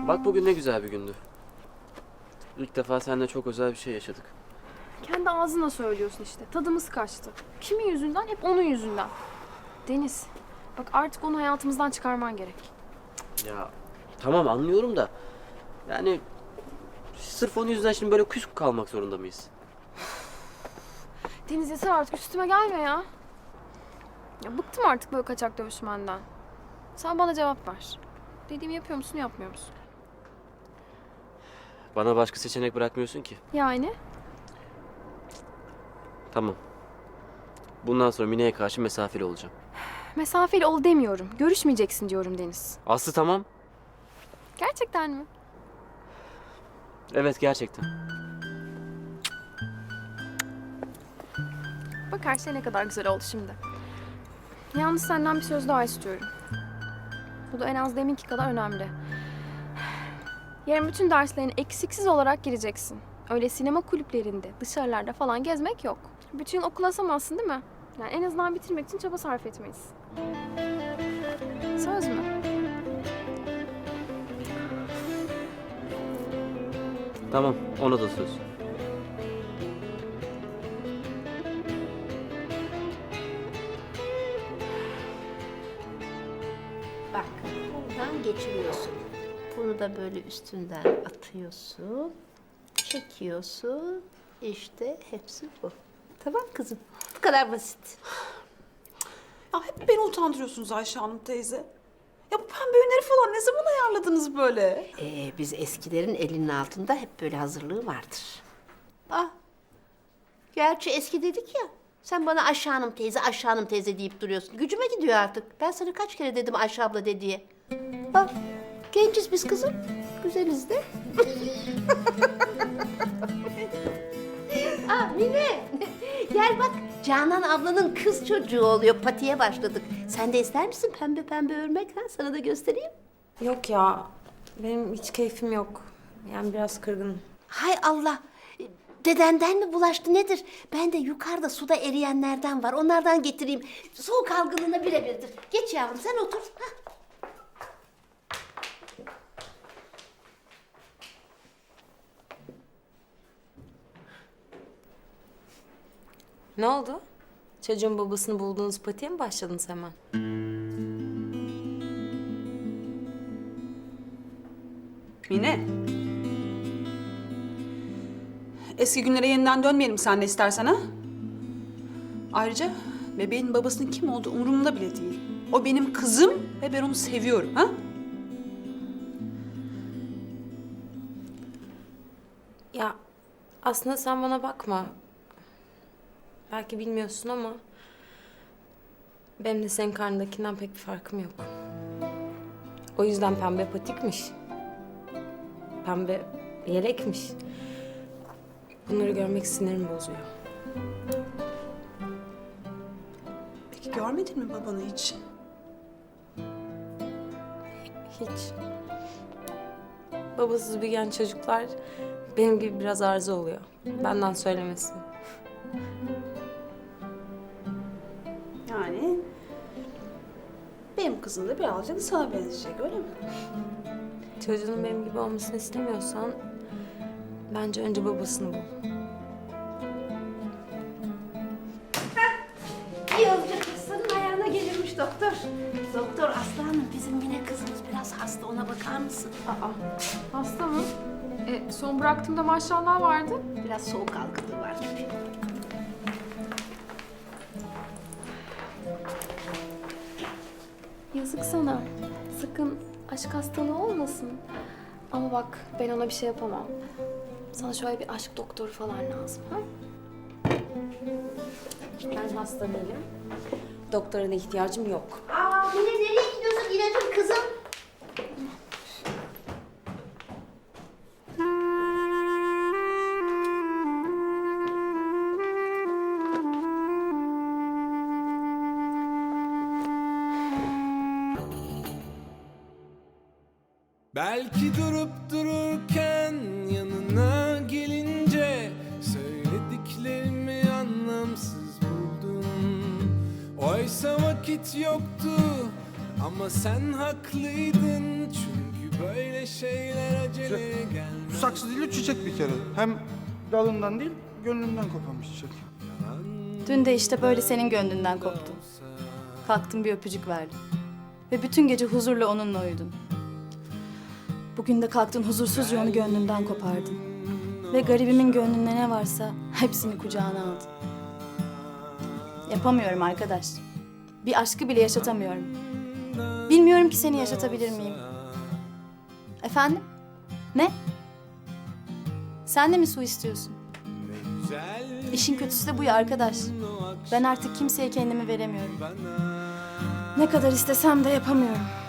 Bak bugün ne güzel bir gündü. İlk defa seninle çok özel bir şey yaşadık. Kendi ağzına söylüyorsun işte. Tadımız kaçtı. Kimin yüzünden? Hep onun yüzünden. Deniz, bak artık onu hayatımızdan çıkarman gerek. Ya tamam anlıyorum da yani sırf onun yüzünden şimdi böyle küs kalmak zorunda mıyız? Deniz yeter artık üstüme gelme ya. Ya bıktım artık böyle kaçak dövüşmenden. Sen bana cevap ver. Dediğimi yapıyor musun, yapmıyor musun? Bana başka seçenek bırakmıyorsun ki. Yani? Tamam. Bundan sonra Mine'ye karşı mesafeli olacağım. Mesafeli ol demiyorum. Görüşmeyeceksin diyorum Deniz. Aslı tamam. Gerçekten mi? Evet gerçekten. Bak her şey ne kadar güzel oldu şimdi. Yalnız senden bir söz daha istiyorum. Bu da en az deminki kadar önemli. Yarın bütün derslerine eksiksiz olarak gireceksin. Öyle sinema kulüplerinde, dışarılarda falan gezmek yok. Bütün yıl okul asamazsın değil mi? Yani en azından bitirmek için çaba sarf etmeyiz. Söz mü? Tamam ona da söz. Bak, buradan geçiriyorsun. Bunu da böyle üstünden atıyorsun. Çekiyorsun. İşte hepsi bu. Tamam kızım. Bu kadar basit. Ya hep beni utandırıyorsunuz Ayşe Hanım teyze. Ya bu pembe ünleri falan ne zaman ayarladınız böyle? Biz eskilerin elinin altında hep böyle hazırlığı vardır. Ah, gerçi eski dedik ya. Sen bana Ayşe Hanım teyze, Ayşe Hanım teyze deyip duruyorsun. Gücüme gidiyor artık. Ben sana kaç kere dedim Ayşe abla de diye. Bak, genciz biz kızım. Güzeliz de. Mine, gel bak. Canan ablanın kız çocuğu oluyor. Patiye başladık. Sen de ister misin pembe pembe örmek? Ha? Sana da göstereyim. Yok ya, benim hiç keyfim yok. Yani biraz kırgınım. Hay Allah. Dedenden mi bulaştı nedir? Ben de yukarıda suda eriyenlerden var. Onlardan getireyim. Soğuk algınlığına birebirdir. Geç yavrum sen otur. Hah. Ne oldu? Çocuğun babasını bulduğunuz patiye mi başladınız hemen? Mine. Eski günlere yeniden dönmeyelim sen de istersen ha? Ayrıca bebeğin babasının kim olduğu umurumda bile değil. O benim kızım ve ben onu seviyorum ha? Ya aslında sen bana bakma. Belki bilmiyorsun ama benim de senin karnındakinden pek bir farkım yok. O yüzden pembe patikmiş. Pembe yelekmiş. Bunları görmek sinirimi bozuyor. Peki görmedin mi babanı hiç? Hiç. Babasız büyüyen çocuklar benim gibi biraz arıza oluyor. Benden söylemesi. Yani benim kızım da birazcık sana benzeyecek öyle mi? Çocuğunun benim gibi olmasını istemiyorsan bence önce babasını bul. Yolcu kızının ayağına gelirmiş doktor. Doktor Aslanım bizim Mine kızımız biraz hasta ona bakar mısın? Hasta mı? Son bıraktığımda maşallah vardı. Biraz soğuk algınlığı var gibi. Yazık sana. Sakın aşk hastalığı olmasın. Ama bak ben ona bir şey yapamam. Sana şöyle bir aşk doktoru falan lazım. Ha? Ben hasta değilim. Doktora da ihtiyacım yok. Mine nereye gidiyorsun İlacım kızım? Belki durup dururken yanına gelince söylediklerimi anlamsız buldum. Oysa vakit yoktu ama sen haklıydın çünkü Böyle şeyler acele gelmez. Saksı değil, çiçek bir kere. Hem dalından değil, gönlümden kopan bir çiçek. Dün de işte böyle senin gönlünden koptum. Kalktım bir öpücük verdim. Ve bütün gece huzurla onunla uyudun. Bugün de kalktın huzursuzca onu gönlünden kopardın. Ve garibimin gönlünde ne varsa hepsini kucağına aldın. Yapamıyorum arkadaş. Bir aşkı bile yaşatamıyorum. Bilmiyorum ki seni yaşatabilir miyim? Efendim? Ne? Sen de mi su istiyorsun? İşin kötüsü de bu ya arkadaş. Ben artık kimseye kendimi veremiyorum. Ne kadar istesem de yapamıyorum.